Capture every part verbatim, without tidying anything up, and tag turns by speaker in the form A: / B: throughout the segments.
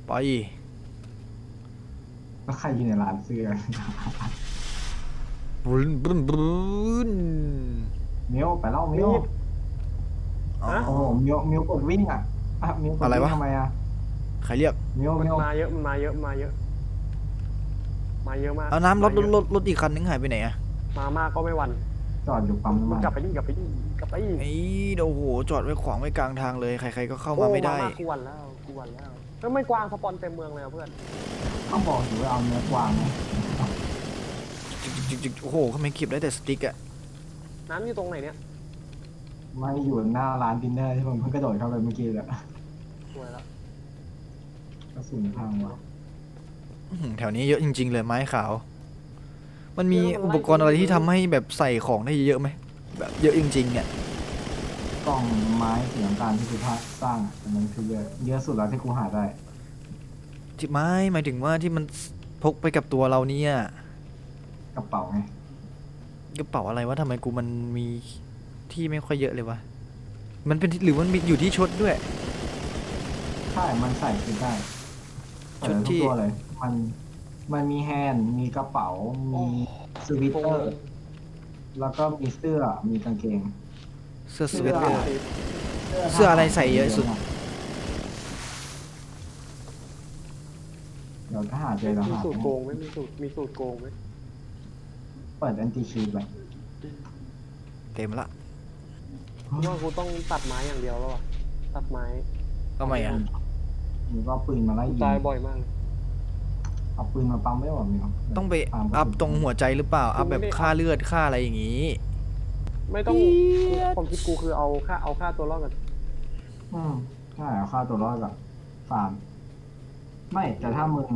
A: ไป
B: แล้วใครอยู่ในร้านเสื้อ
A: บรุนบรุนบรุน
B: เมียวไปเล่าเมียว
C: มีด
A: อ๋อ
C: ฮะ
B: โอ้โหเมียวเมียวกดวิ่งอ่ะอ่ะเมียวกด
A: อะไรวะ
B: วิ่งทำไมอ่ะ
A: ใครเรียก
B: เมียว
C: มัน
B: เมียว
C: มาเยอะมันมาเยอะมาเยอะมาเยอะมาก
A: เอาน้ำรถร
C: มาเยอะ
A: ถรถรถอีกคันนึงหายไปไหนอะ
C: มามากก็ไม่หวัน
B: จอดอยู่ปั๊มน้ำมัน
C: มึงกลับไปดิกลับไปดิกลับไปดิ
A: ไอ้โอ้โหจอดไว้ขวางไว้กลางทางเลยใครๆก็เข้า
C: โอ้
A: มาไม่ได้
C: มากกูหวันแล้วกูหวันแล้วแล้วไม่กวางสปอนเต็มเมืองเลยอะเพื่อน
B: ต้องบอกอยู่ว่าเอาเนื้อกวางไหม
A: จิกจิกโอ้โหทำไมเก็บได้แต่สติ๊กอะ
C: น้ำอยู่ตรงไหนเนี่ย
B: ไม่อยู่หน้าร้านดินเนอร์ที่ผมเพิ่งกระโดดเข้าไปเมื่อกี้เลย
C: สวยแล้ว
B: กระสุนพังวะ
A: อื้อหือแถวนี้เยอะจริงๆเลยไม้ขาว มันมีอุปกรณ์อะไรที่ทำให้แบบใส่ของได้เยอะไหมแบบเยอะจริงๆเนี่ย
B: กล่องไม้สีน้ำตาลที่กูพาสร้างอ่ะอันนั้นคือเยอะเยอะสุดแล้วที่กูหาได้
A: ที่ไม้หมายถึงว่าที่มันพกไปกับตัวเราเนี่ย
B: กระเป๋าไง
A: กระเป๋าอะไรวะทำไมกูมันมีที่ไม่ค่อยเยอะเลยวะมันเป็นหรือมันมีอยู่ที่ชุดด้วย
B: ใช่มันใส่ขึ้นได้
A: ชุด
B: ใส่
A: ที่
B: ทุกตัวเลย มันมันมีแฮนด์มีกระเป๋ามีสวิตเตอร์ แล้วก็มีเสื้อมีกางเกง
A: เสื้อส
B: เสื้
A: เว
B: อ
A: ตเตอร์ เสื้ออะไรใส่เยอะสุด
B: เดี๋ยวถ้าหาเจอเรา
C: มี
B: หา
C: สูตรโกงไหมมีสูตรมีสูตรโกงไหม
B: เปิดแอนตี้ชีทไป
A: เต็มละ
C: เพราะว่ากูต้องตัดไม้อย่างเดียวแล้วอะตัดไม้
A: ทำไมอ่ะ
B: มึงก็เอาปืนมาไล่ยิง
C: ตายบ่อยมากเลย
B: เอาปืนมาปั๊มไม่หรอมึง
A: ต้องไปอัพตรงหัวใจหรือเปล่าอัพแบบค่าเลือดค่าอะไรอย่างงี้
C: ไม่ต้องความคิดกูคือเอาค่าเอาค่าตัวรอดกัน
B: อืมใช่เอาค่าตัวรอดกับฟาร์มไม่แต่ถ้ามึง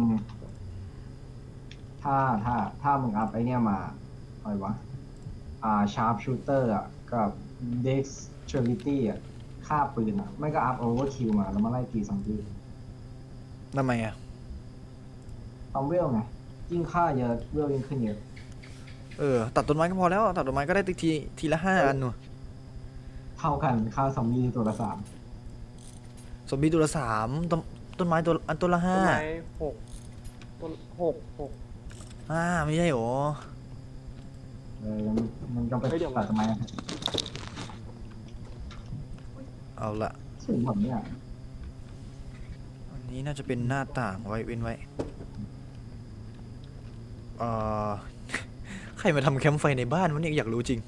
B: ถ้าถ้าถ้ามึงอัพไอเนี้ยมาอะไรวะอ่าชาร์ปชูเตอร์อ่ะกับเด็กซ์เชอริตี้อ่ะค่าปืนอ่ะ ไม่ก็อัพโอเวอร์คิวมาแล้วมาไล่ตีซอมบี้
A: ทำไมอ่ะ
B: ต้องเวลไงยิ่งค่าเยอะเวลยิ่งขึ้นเยอะ
A: เออตัดต้นไม้ก็พอแล้วตัดต้นไม้ก็ได้ทีทีละห้าอันหนู
B: เท่ากันค่าซอมบี้ตัวละสาม
A: สมบีตัวละสามต้นต้นไม้ตัวอันตัวละ
C: ต้
A: ห้าน
C: ไม้หกต้นหกหก
A: ห้าไม่ใช่หรอ
B: เออมันก็ไป
C: เฮ้ยเดี๋ยว
B: ตัดทำไมอะ
A: เอาละ
B: สูงแบบเนี้ย
A: อันนี้น่าจะเป็นหน้าต่างไว้เว้นไว้เอ่อ ใครมาทำแคมป์ไฟในบ้านวะเนี่ยอยากรู้จริง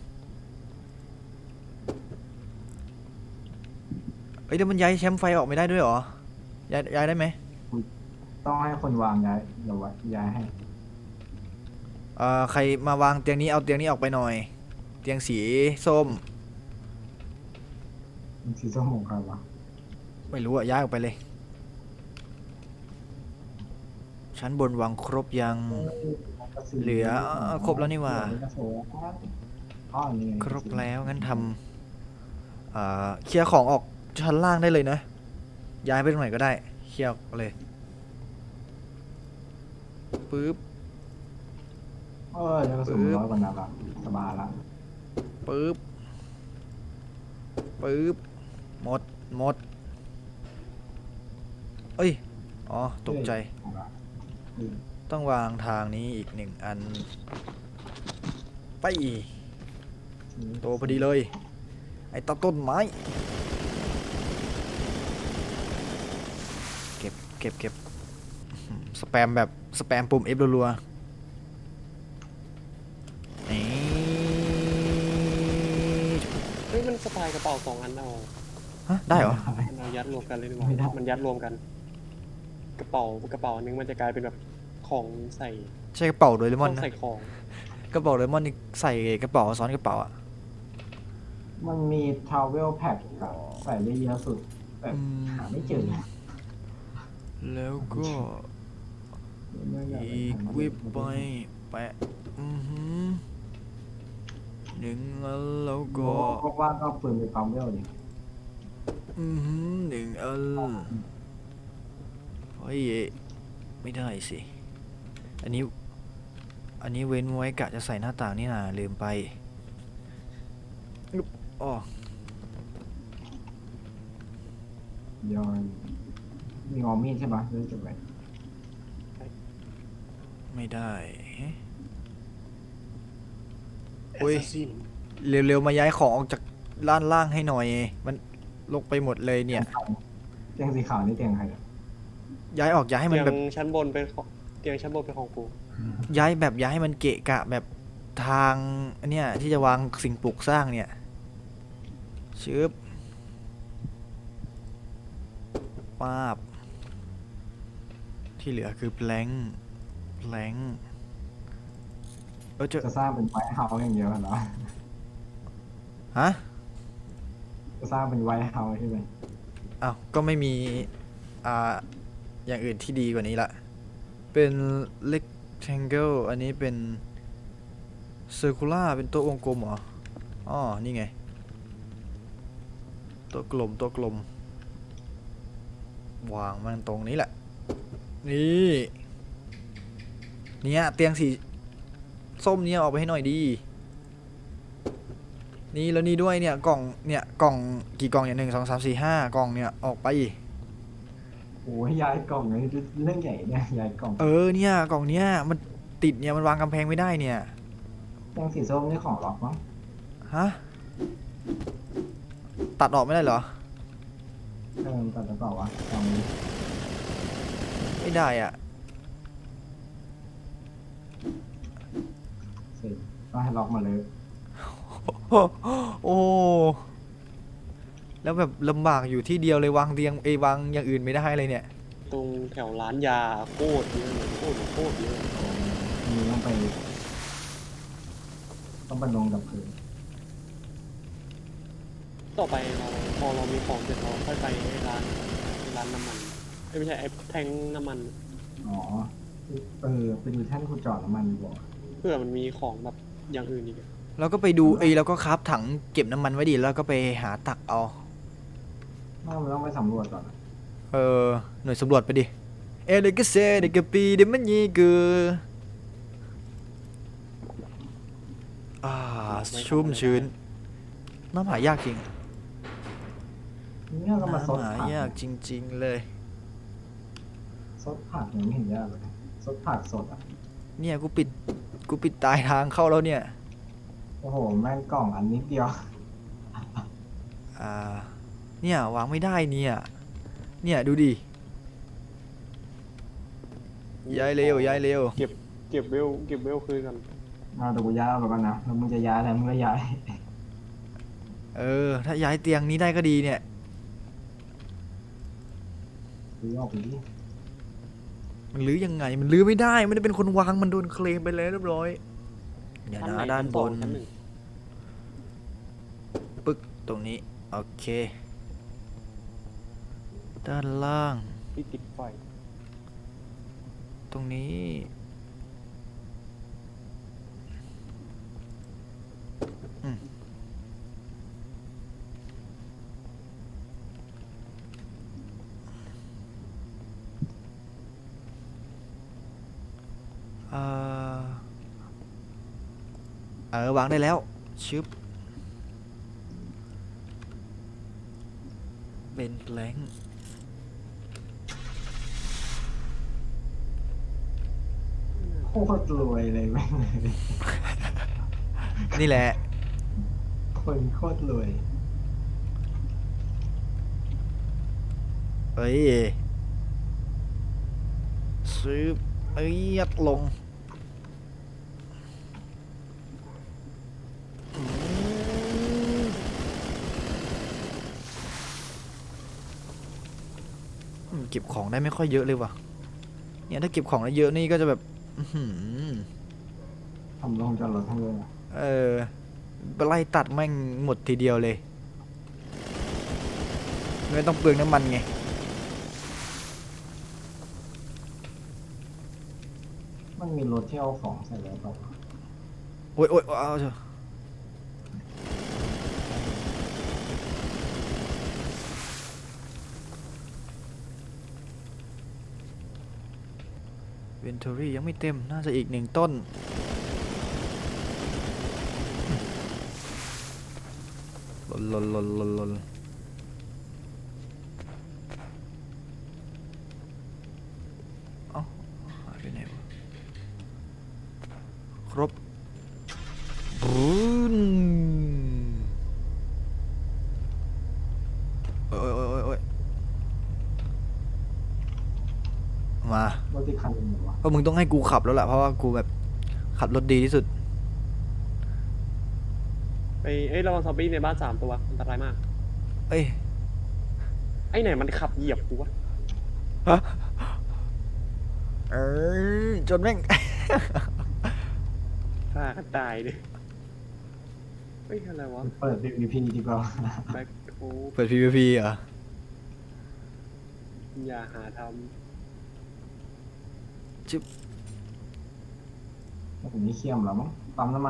A: เอ้ยเดี๋ยวมันย้ายแคมป์ไฟออกไม่ได้ด้วยเหรอย้ายย้ายได้ไหม
B: ต้องให้คนวางย้ายเดี๋ยวไว้ย้ายให้
A: เอ่อใครมาวางเตียงนี้เอาเตียงนี้ออกไปหน่อย เตียงสีส้ม
B: มันสีส้มของใครวะ
A: ไม่รู้อะย้ายออกไปเลย ชั้นบนวางครบยัง เหลือเอ่อครบแล้วนี่หว่า
B: อ๋อนี่ไง
A: ครบแล้วงั้นทำเอ่อเคลียร์ของออกชั้นล่างได้เลยนะ ย้ายไปตรงไหนก็ได้เคลียร์ออกเลยปึ๊บ
B: เออเดี๋ยวกระสุนร้อยกว่านัดละสบายละ
A: ปึ๊บปึ๊บหมดหมดเอ้ยอ๋อตกใจ
B: อืม
A: ต้องวางทางนี้อีกหนึ่งอันไปโตพอดีเลย ไอ้ตาต้นไม้ เก็บเก็บเก็บอื้อหือสแปมแบบสแปมปุ่ม F รัวๆนี่
C: เฮ้ยมันสไตล์กระเป๋าสองอันเอา
A: ฮะได้เหรอ
C: มันเอายัดรวมกันเลยดีกว่ามันยัดรวมกัน กระเป๋ากระเป๋านึงมันจะกลายเป็นแบบของใส่
A: ใช่กระเป๋าโดเรม
C: ต้
A: อน
C: อง
A: นะ
C: ใส่ของ
A: กระเป๋าโดเรมอนนี่ใส่กระเป๋าซ้อนกระเป๋าอ่ะ
B: มันมีทราเวลแพ็คกับใส่ได้เยอะสุดแต่
A: อืม
B: หาไม่เจอ
A: แล้วก็อีกวิบไปแปะอือหือหนึ่งอันแล้วก็
B: ก็ว่างก็เอาปืนไปปั๊มเวลดิ
A: อือหือหนึ่งอันเฮ้ยไม่ได้สิ อันนี้ อันนี้เว้นไว้กะจะใส่หน้าต่างนี่นะลืมไปอึ๊บอ๋อ
B: ย้อนมีงอมีดใช่ปะเรื่องจบไป
A: ไม่ได้เอ๊ะ
C: แอ
A: อุ้
C: ส
A: ย
C: ซัสซิน
A: เร็วๆมาย้ายของออกจากด้านล่างให้หน่อย มันลกไปหมดเลยเนี่ย
B: เตียงสีขาวนี่เตียงใครอะ
A: ย้ายออกย้ายให้มัน
C: เตีย
A: แบบ
C: งชั้นบนเป็นของเตียงชั้นบนเป็นของกู
A: ย้ายแบบย้ายให้มันเกะกะแบบทางอันเนี้ยที่จะวางสิ่งปลูกสร้างเนี่ยชึบป้าบที่เหลือคือแพลงแพลงเออเจอ
B: จะสร้างเป็นไวท์เฮาส์อย่างเดียวเหรอ
A: ฮะ
B: จะสร้างเป็นไวท์เฮาส์ใช่ไหม
A: อ้าวก็ไม่มีอ่าอย่างอื่นที่ดีกว่านี้ละเป็น rectangle อันนี้เป็น circular เป็นตัววงกลมเหรออ๋อนี่ไง ตัวกลมตัวกลม วางมันตรงนี้แหละ นี่เนี่ยเตียงสีส้มเนี่ยออกไปให้หน่อยดี นี่แล้วนี่ด้วยเนี่ยกล่องเนี่ยกล่องกี่กล่องเนี่ยหนึ่งสองสามสี่ห้ากล่องเนี่ยออกไป
B: โอ้ยย้ายกล่องนี่เรื่องใหญ่เนี่ยย้ายกล่อง
A: เออเนี่ยกล่องเนี้ยมันติดเนี่ยมันวางกำแพงไม่ได้เนี่ย
B: เตียงสีส้มนี่ของล็อกมั้ง
A: ฮะตัดออกไม่ได้เหรอ
B: เออตัดแล้วเปล่าวะลองดู
A: ไม่ได้อ่ะ
B: เสร็จก็ให้ล็อกมาเลย
A: โอ้แล้วแบบลำบากอยู่ที่เดียวเลยวางเตียงเอยวางอย่างอื่นไม่ได้เลยเนี่ย
C: ตรงแถวร้านยาโคตรเยอะเลยโคตรโคตรเยอะ
B: มีต้องไป ต้องไปลงกับพื้น
C: ต่อไปเราพอเรามีของเสร็จเราค่อยไปไอ้ร้านร้านน้ำมันเอ้ยไม่ใช่ไอ้แทงน้ำมัน
B: อ๋อเออไปดูแท่นขุดเจอดน้ำมันดีกว่า
C: เพื่อมันมีของแบบอย่างอื่นอีกอะ
A: เราก็ไปดูเอยเราก็คราฟถังเก็บน้ำมันไว้ดิแล้วก็ไปหาตักเอา
B: ไม่มันต้องไปสำรวจก่อนอะ
A: เออหน่วยสำรวจไปดิ เอเดกเซเดกปีเดมันยีกืออ่าชุ่มชื้น น้ำหายากจริง
B: เนี่ยก็มาซด
A: น้ำหา
B: ผัก
A: ยากจริง ๆ เลย
B: ซดผักยังไม่เห็นยากเลยซดผักสดอ่ะ
A: เนี่ยกูปิดกูปิดตายทางเข้าแล้วเนี่ย
B: โอ้โหแม่งกล่องอันนิดเดียว
A: อ่า เนี่ยวางไม่ได้เนี่ย เนี่ยดูดิ ย้ายเร็วย้ายเร็ว
C: เก็บเก็บเวลเก็บเวลคืนกัน
B: เอาเดี๋ยวกูย้ายเอาไปก่อนนะแล้วมึงจะย้ายอะไรมึงก็ย้าย
A: เออ ถ้าย้ายเตียงนี้ได้ก็ดีเนี่ย
B: ซื้อออกไปดิ
A: มันลื้อยังไง มันลื้อไม่ได้ ไม่ได้เป็นคนวาง มันโดนเคลมไปแล้วเรียบร้อย อย่า
C: ชั้น
A: นะ
C: ไหน
A: ด้าน
C: ชั้น
A: บ
C: สอง
A: น
C: ชั้นหนึ่ง
A: ปึ๊ก ตรงนี้ โอเค ด้านล่าง
C: ที่ติดไฟ
A: ตรงนี้ อืมเอ่อเออวางได้แล้ว ชึบ เป็นแบงค์
B: โคตรรวยเลยแม่งเลย
A: นี่แหละ
B: คนโคตรรวย
A: เอ้ยซื้อเอ้ยยัดลงอืมอืมเก็บของได้ไม่ค่อยเยอะเลยว่ะ เนี่ยถ้าเก็บของได้เยอะนี่ก็จะแบบ อื้อหือ
B: ทำลงจอดรถทั้งเลยอะ
A: เออไล่ตัดแม่งหมดทีเดียวเลย ไม่ต้องเปลืองน้ำมันไง
B: มันมีรถที่เอาของใส่แล้วเปล่า
A: โอ้ยโอ้ยเอาเถอะเวนทอรี่ยังไม่เต็ม น่าจะอีกหนึ่งต้น ลนลนลนลนลนเอ้าหายไปไหนวะครบบูนโอ้ยโอ้ยโอ้ยโอ้ยมาร
B: ถที่คันหนึงเหรอวะ
A: เพราะมึงต้องให้กูขับแล้วล่ะเพราะว่ากูแบบขับรถดีที่สุด
C: ไปเอ้ยระวังซอมบี้ในบ้านสามตัวอันตรายมาก
A: เอ้ย
C: ไอ้ไหนมันขับเหยียบกูวะ
A: เออจนแม่ง
C: ฆ่ากันตายเลยเฮ้ยอะไรวะ
B: เปิด พี วี พี ดีกว่า
C: แบ็คโฮ
A: เปิด พี วี พี เหรอ
C: อย่าหาท
B: ผมนี่เขี้ยมแล้วมั้งปั๊มน้ำมัน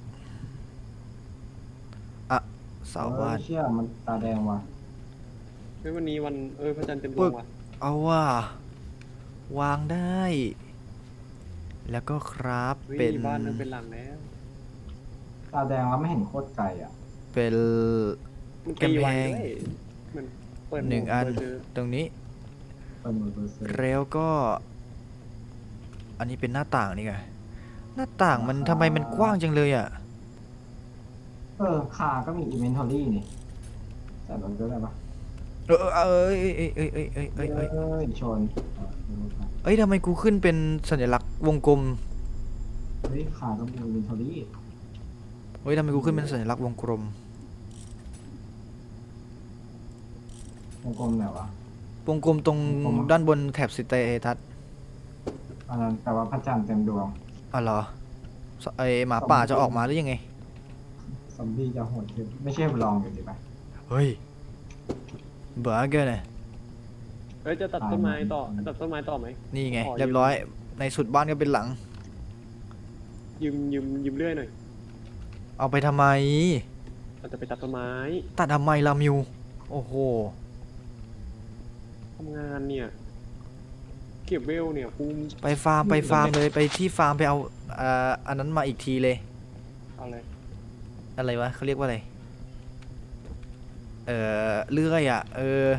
A: เสาบ้าน
B: เออเชี่ยมันตาแดงว่ะ
C: ำเฮ้ยวันนี้วันเออพระจันทร์เต็มด
A: ปึ๊
C: วง
A: ก
C: ว่ะ
A: เอาว่า วางได้ แล้วก็ครับ
C: เฮ้ย
A: เป็น
C: บ้านนึงเป็นหลังแล้ว
B: ตาแดงแล้วไม่เห็นโคตรไกลอ่ะ
A: เป็น
C: มันตีไว
A: กำแพง
C: ด้วยมันเปิด
A: หนึ่งอัน
C: เปิดเจอ
A: ตรงนี้
B: เปิดมือเปิดเซอร์
A: แล้วก็ อันนี้เป็นหน้าต่างนี่ไง หน้าต่างมันทำไมมันกว้างจังเลยอ่ะ
B: เออคาก็มีอินเวนทอรี่นี่แต่รถก็ได้ปะ
A: เออเออเอ้ยเอ้ยเอ้ยเอ้ยเอ้ยเอ้ยเอ้ย
B: เอ้ยชนเออ
A: เอ้ยทำไมกูขึ้นเป็นสัญลักษณ์วงกลม
B: เฮ้ยคาก็มีอินเวนทอรี่
A: เฮ้ยทำไมกูขึ้นเป็นสัญลักษณ์วงกลม
B: วงกลมไหนวะ
A: วงกลมตรง
B: วงกลม
A: ด้านบนแถบสเตตัส
B: อันนั้นแต่ว่าพระจันทร์เต็มดวง
A: อ๋อเหรอสไอหมาป่าจะออกมาหรือยังไง
B: ซอมบี้จะโหดขึ้นไม่ใช่ลองอยู่ดีไหม
A: เฮ้ยเบื่อเกินเลย
C: เฮ้ยจะตัดต้นไม้ต่อ
B: ตาย
C: ตัดต้นไม้ต่อไหม
A: นี่ไง
C: ขอยืม
A: เรียบร้อย ในสุดบ้านก็เป็นหลัง
C: ยืมยืมยืมเลื่อยหน่อย
A: เอาไปทำไม
C: เราจะไปตัดต้นไม้
A: ตัดทำไมลามิว โอ้โห
C: ทำงานเนี่ย เก็บเวลเนี่ยกู
A: ไปฟาร์มไปฟาร์มเลยไปที่ฟาร์มไปเอาเอ่ออันนั้นมาอีกทีเลย
C: เอาเลย
A: อะไรวะเขาเรียกว่าอะไร เอ่อเลื่อยอ่ะ เออ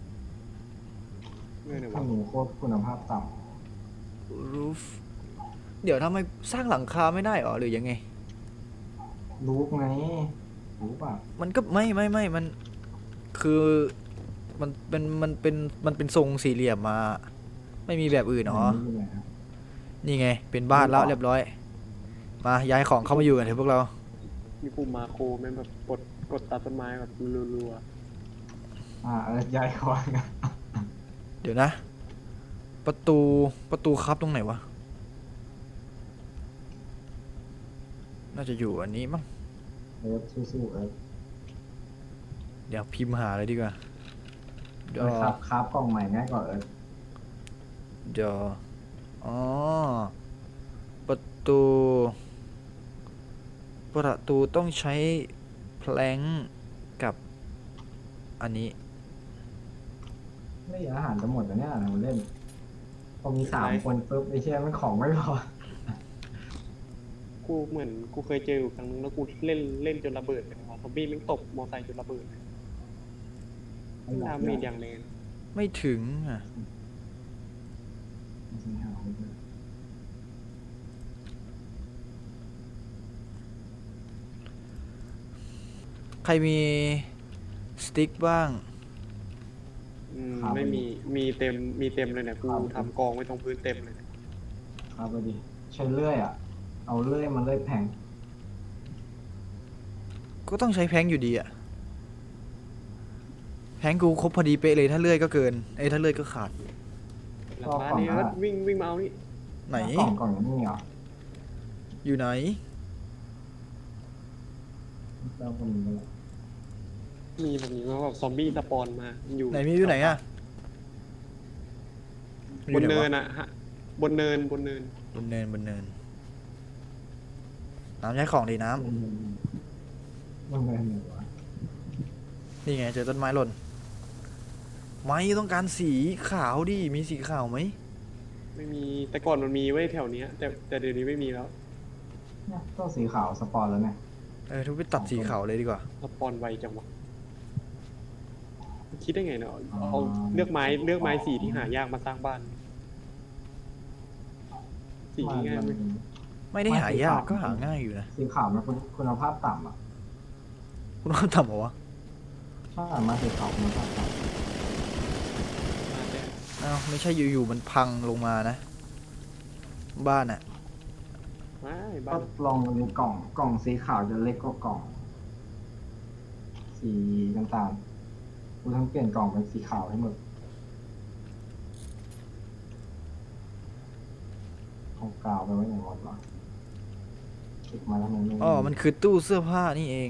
C: เลื่อยหน่อย
B: ถ้าว
C: ะ
B: หนูโคตรคุณภาพต่
A: roof เดี๋ยวทำไมสร้างหลังคาไม่ได้หรอหรือยังไง
B: ำรู้ไงรู้ป่ะ
A: มันก็ไม่ไม่ไม่มันคือมันเป็นมันเป็นมันเป็นทรงสี่เหลี่ยมมา ไม่มีแบบอื่นหรอ
B: ไม่มีเลยนะ
A: นี่ไง เป็นบ้านแล้วเรียบร้อย มาย้ายของเข้ามาอยู่กันเถอะพวกเรา
C: มีปุ่มมาโครแม่งแบบกดกดตัดต้นไม้แบบรัว
B: อ่าเออย้ายคอนกัน
A: เดี๋ยวนะ ประตูประตูครับตรงไหนวะ น่าจะอยู่อันนี้มั้ง
B: เออสู้ๆเออ
A: เดี๋ยวพิมพ์หาเลยดีกว่าเดี๋ยว
B: ครับครับกล่องใหม่ง่ายกว่าเออ
A: เดี๋ยวอ๋อประตู ประตูต้องใช้แพลงก์กับอันนี้
B: ไม่อาหารจะหมดแล้วเนี่ยเราเล่นพอมีสามคนปุ๊บไอ้เชี่ยมันของไม่พอ
C: ๆกูเหมือนกูเคยเจออยู่ครั้งนึงแล้วกูเล่นเล่นจนระเบิดเลยว่ะซอมบี้แม่งตบมอไซค์จนระเบิดเลยดาเมจอย่างแรง
A: ไม่ถึงอ่ะ ใครมีสติ๊กบ้าง
C: อืมไม่มีมีเต็มมีเต็มเลยเนี่ยกูทำกองไว้ตรงพื้นเต็มเลยเนี่ย
B: ครับพอดีใช้เลื่อยอ่ะ เอาเลื่อยมันเลื่อยแผง
A: ก็ต้องใช้แพลงก์อยู่ดีอ่ะ แพลงก์กูครบพอดีเป๊ะเลยถ้าเลื่อยก็เกินเอ้ยถ้าเลื่อยก็ขาด
C: หลังบ้านนี่ก็วิ่งวิ่งมาเอานี่
A: ไหน
B: กล่องกล่องนี้เหรอ
A: อยู่ไหน
B: เจ้าคนนี้เลย
C: มีแบบนี้ว่าแบบซอมบี้สปอนมาอยู่
A: ไหนมีอยู่ไหนอ่ะ
C: บนเนิน
A: อะ
C: อะฮะบนเนินบนเนิน
A: บนเนินบนเนิน น้ำย้ายของดีน้
B: มันมันเงินเหนือวะ
A: ำนี่ไงเจอต้นไม้หล่น ไม่ต้องการสีขาวดิ มีสีขาวไหม
C: ไม่มีแต่ก่อนมันมีไว้แถวเนี้ยแต่แต่เดี๋ยวนี้ไม่มีแล้ว
B: เนี่ยต้องสีขาวสปอนแล้วเนี่ย
A: เออทุกไปตัดสีขาวเลยดีกว่า
C: สปอนไวจังวะคิดได้ไงเนาะเอาเลือกไม้เลือกไม้สีที่หายากมาสร้างบ้านสี
B: มัน
C: ง่ายไหม
B: มัน
A: ไม่ได้หายาก
B: ไม่สีขาว
A: ก็หาง่ายอยู่นะ
B: สีขาวมันคุณคุณภาพต่ำอ่ะ
A: คุณว่าทำเหรอวะ
B: ถ้าอ่านมาสีขาวคุณภาพต่
C: มาแต่
A: อ้าวไม่ใช่อยู่ๆมันพังลงมานะ บ้านอะ
C: ไม่
B: ำ
C: บ้า
B: ก็
C: น
B: ลองดูกล่องกล่องสีขาวจะเล็กกว่ากล่อง สีน้ำตาลคุณต้องเปลี่ยนกล่องเป็นสีขาวให้หมดของกาวไปไว้ไหนหมดวะเก็บมาแล้วมันไม่
A: อ๋อมันคือตู้เสื้อผ้านี่เอง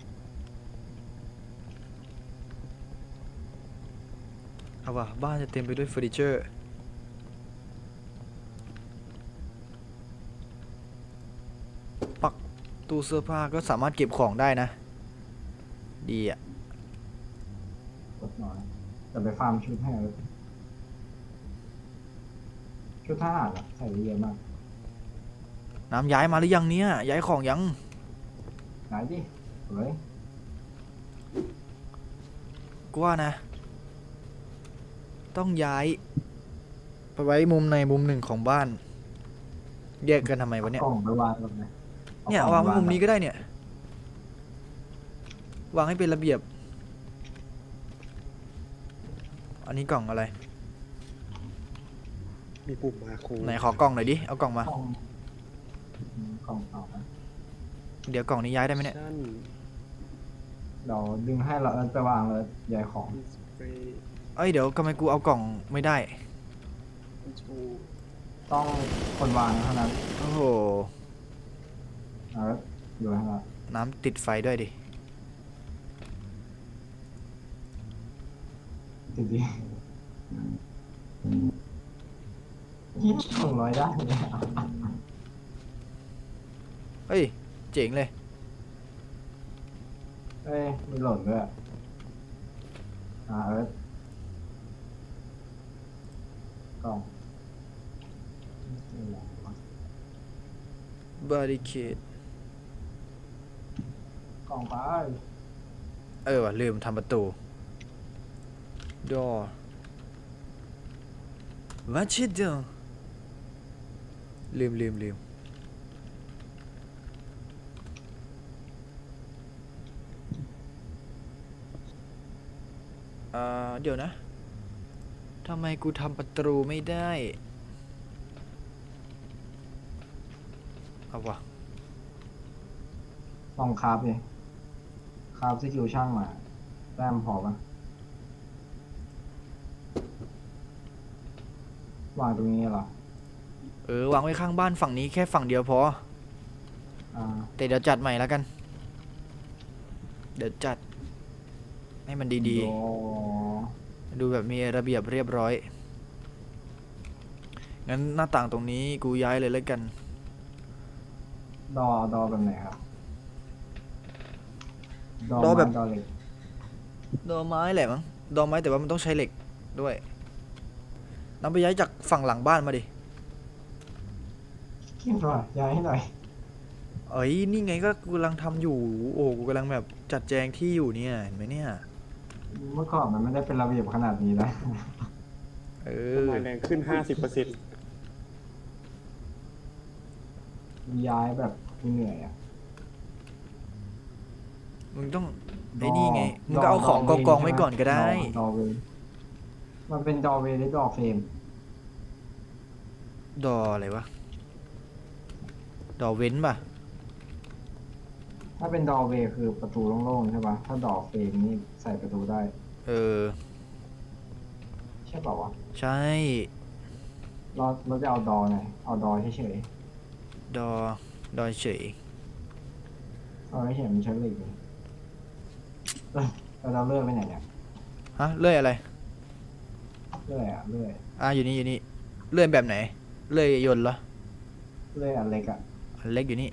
A: เอาว่ะบ้านจะเต็มไปด้วยเฟอร์นิเจอร์ ปักตู้เสื้อผ้าก็สามารถเก็บของได้นะ ดีอ่ะ
B: กดหน่อยแต่ไปฟาร์มชุดให้เลยชุดทหารอะใส่เยอะมาก
A: น้ำย้ายมาหรือยังเนี่ย ย้ายของยัง
B: ไหนดิเฮ้ย
A: กูว่านะ ต้องย้าย ไปไว้มุมในมุมหนึ่งของบ้าน แยกกันทำไมวะเนี่ย
B: กล่องไปวางตรงไหนอ
A: เนี่ย
B: กล่
A: วางไว้
B: ไป
A: มุมนี้ก็ได้เนี่ย วางให้เป็นระเบียบ อันนี้กล่องอะไร
C: มีปุ่มมาโค
A: ไหนขอกล่องหน่อยดิ เอากล่องมา
B: กล่องอืมกล่องเปล่านะ
A: เดี๋ยวกล่องนี้ย้ายได้ไหมเนี่ย
C: ชั่น
B: เดี๋ยวดึงให้เราเอาไปวางเลยใหญ่ของ
C: ดิสเพลย์
A: เอ้ยเดี๋ยวทำไมกูเอากล่องไม่ได้
C: คอนโทรล
B: ต้องคนวางเท่านั้น
A: โอ้โห
B: เอาอยู่ให้เรา
A: น้ำติดไฟด้วยดิ
B: จริงๆยี่สิบสองร้อยได้เนี่ย
A: เฮ้ย เจ๋งเลย
B: เอ้ยมีหล่นด้วยอ่าเอิร์ธกล่อง
A: บาริเคด
B: กล่องไป
A: เออว่ะลืมทำประตู ดอวัดชิดเดอลืมลืมลืมอ่าเดี๋ยวนะ ทำไมกูทำประตูไม่ได้ เอาวะ
B: ลองคราฟดิคราฟสกิลช่างมาแต้มพอปะวางตรงนี้เหรอ
A: เออ วางไว้ข้างบ้านฝั่งนี้แค่ฝั่งเดียวพอ
B: อ่า
A: แต่เดี๋ยวจัดใหม่แล้วกัน เดี๋ยวจัด ให้มันดี
B: โอ้
A: ๆ ดูแบบมีระเบียบเรียบร้อย งั้นหน้าต่างตรงนี้กูย้ายเลยแล้วกัน
B: ดอดอแบบไหนครับ
A: ดอแบบ
B: ไม้ดอเหล็ก
A: ดอไม้แหละมั้ง ดอไม้แต่ว่ามันต้องใช้เหล็กด้วยนำไปย้ายจากฝั่งหลังบ้านมาดิ
B: คิดว่าย้ายให้หน่อย
A: เอ้ย นี่ไงก็กูกำลังทำอยู่ โอ้กูกำลังแบบจัดแจงที่อยู่เนี่ย เห็นไหมเนี่ย
B: เมื่อก่อนมันไม่ได้เป็นระเบียบขนาดนี้นะ
A: เอ
C: ต้น
A: อ
C: ไม้แรงขึ้นห้าสิบเปอร์เซ็นต์
B: ย้ายแบบเหนื่อยอ่ะ
A: มึงต้องไอ้นี่ไง มึงก็เอาของกองๆไว้ก่อนก็ได้
B: ดอเวย์มันเป็นดอเวย์หรือดอเฟรม
A: ดออะไรวะ ดอเว้นป่ะ
B: ถ้าเป็นดอเวย์คือประตูโล่งๆใช่ปะถ้าดอเฟรมนี่ใส่ประตูได้
A: เออ
B: ใช่เปล่าวะ
A: ใช่
B: เราเราจะเอาดอไหนเอาดอเฉย
A: ดอ ดอเฉย
B: ๆเอาเฉยๆมันใช้เหล็กเลยเอ้ยแล้วเราเลื่อยไปไหนเนี่ย
A: ฮะ เลื่อยอะไร
B: เลื่อยอะเลื่อย
A: อ่ะอยู่นี่อยู่นี่ เลื่อยแบบไหน เลื่อยยนต์เหรอ
B: เลื่อยอันเล็กอะ
A: อันเล็กอยู่นี่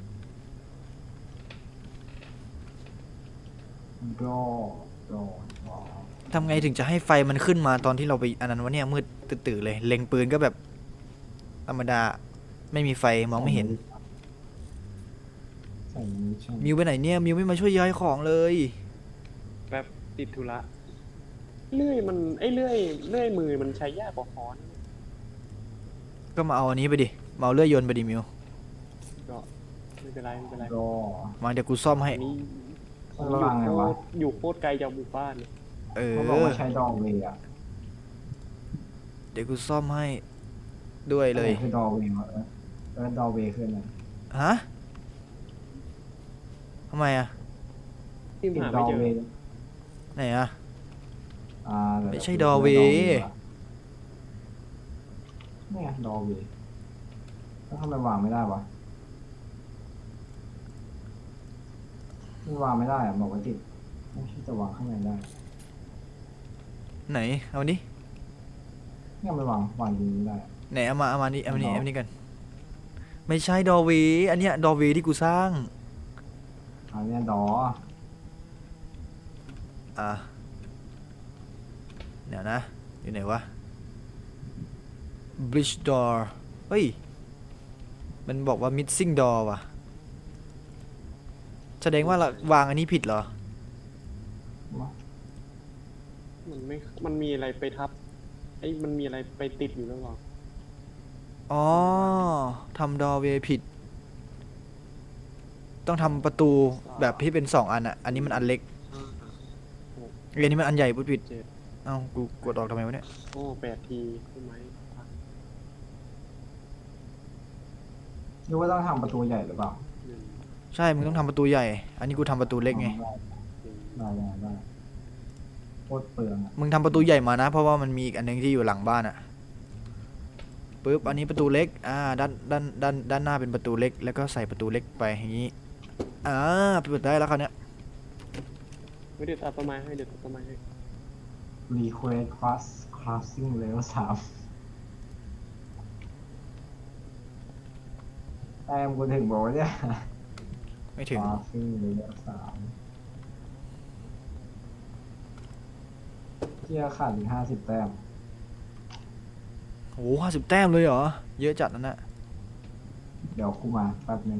B: ดอดอดอ
A: ทำไงถึงจะให้ไฟมันขึ้นมาตอนที่เราไปอันนั้นวะเนี่ยมืดตื่นๆเลย เล็งปืนก็แบบ ธรรมดา ไม่มีไฟมองไม่เห็น
B: ใส่นี้ใช่ไหม
A: มิวไปไหนเนี่ย มิวไม่มาช่วยย้ายของเลย
C: แป๊บติดธุระเลื่อยมันไอ้เลื่อยเลื่อยมือมันใช้ยากกว่าค้อน
A: ก็มาเอาอันนี้ไปดิเมาเลื่อยยนต์ไปดิมิว
C: ก็ไม่เป็นไรไม่เป็นไร
B: รอ
A: มาเดี๋ยวกูซ่อมให้
C: อันนี้
B: มัน
C: อยู่
B: วางไง
C: โคว
B: ะ
C: ตรอยู่โคตรไกลจากหมู่บ้านเนี่ย
A: เอ
B: เขาบอก
A: อ
B: ว่าใช้ดอเวย์อะ
A: เดี๋ยวกูซ่อมให้ด้วยเลย
B: คือดอเวย์วะเออเออดอเวย์คืออะไร
A: ฮะทำไมอะ
C: ที่
B: ติด
C: หา
B: ด
C: ไม่
B: อ
C: เจอ
B: เวย์
A: ไหนอะ
B: อ่าเดี๋ยว
A: ไม่ใช่
B: ดี๋ยว
A: ดอเวย์
B: เนี่ยดอเวย์แล้วทำไมวางไม่ได้วะมันวางไม่ได้อะบอกว่าติดไม่ใช่จะวางข้างในได้
A: ไหนเอาดิ
B: เนี่ยมันวางวางอยิงไม่ได้
A: ไหนเอามาเอามานี่เอามานี่
B: เอา
A: เอามานี่กันไม่ใช่ดอเวย์อันเนี้ยดอเวย์ที่กูสร้าง
B: อันเนี้ยดอ
A: อ่ะเดี๋ยวนะอยู่ไหนวะ bridge door เฮ้ยมันบอกว่า missing door ว่ะแสดงว่าเราวางอันนี้ผิดเหรอ
C: มันไม่มันมีอะไรไปทับไอ้มันมีอะไรไปติดอยู่หรือเปล่า
A: อ๋อทำ doorway ผิด ต้องทำประตูแบบที่เป็นสองอันอ่ะอันนี้มันอันเล็กอันนี้มันอันใหญ่พูดผิด
C: เจ็ด
A: เอ้ากูกดออกทำไมวะเนี่ย
C: โอ้แปดทีใช่ไหม
B: หรือว่าต้องทำประตูใหญ่หรือเปล่า
C: หนึ่ง
A: ใช่มึงต้องทำประตูใหญ่ อันนี้กูทำประตูเล็กไง
C: หนึ่ง
B: ได้ได้ได้โคตรเปลืองอะ
A: มึงทำประตูใหญ่มานะ เพราะว่ามันมีอีกอันหนึงที่อยู่หลังบ้านอะปึ๊บอันนี้ประตูเล็กอ่าด้านด้านด้านด้านหน้าเป็นประตูเล็ก แล้วก็ใส่ประตูเล็กไปอย่างนี้อ่าเปิดได้แล้วคราวเนี้ย
C: ไม่เดี๋ยวตัดต้นไม้ให้เดี๋ยวตัดต้นไม้ให้
B: รีเควสคลาสคลาสซิ่งเลเวลสามแต้มกูถึงบอกว่าเนี่ย
A: ไม่ถึง
B: คลาสซิ่งเลเวลสามเที่ยขาดอีกห้าสิบแต้ม
A: โอ้ห้าสิบแต้มเลยเหรอ เยอะจัดนั่นน่ะ
B: เดี๋ยวกูมาแป๊บหนึง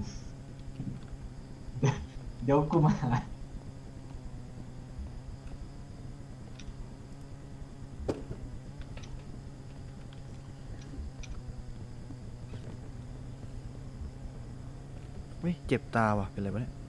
B: เดี๋ยวกูมา
A: เฮ้ยเจ็บตาว่ะเป็นไรวะเนี่ย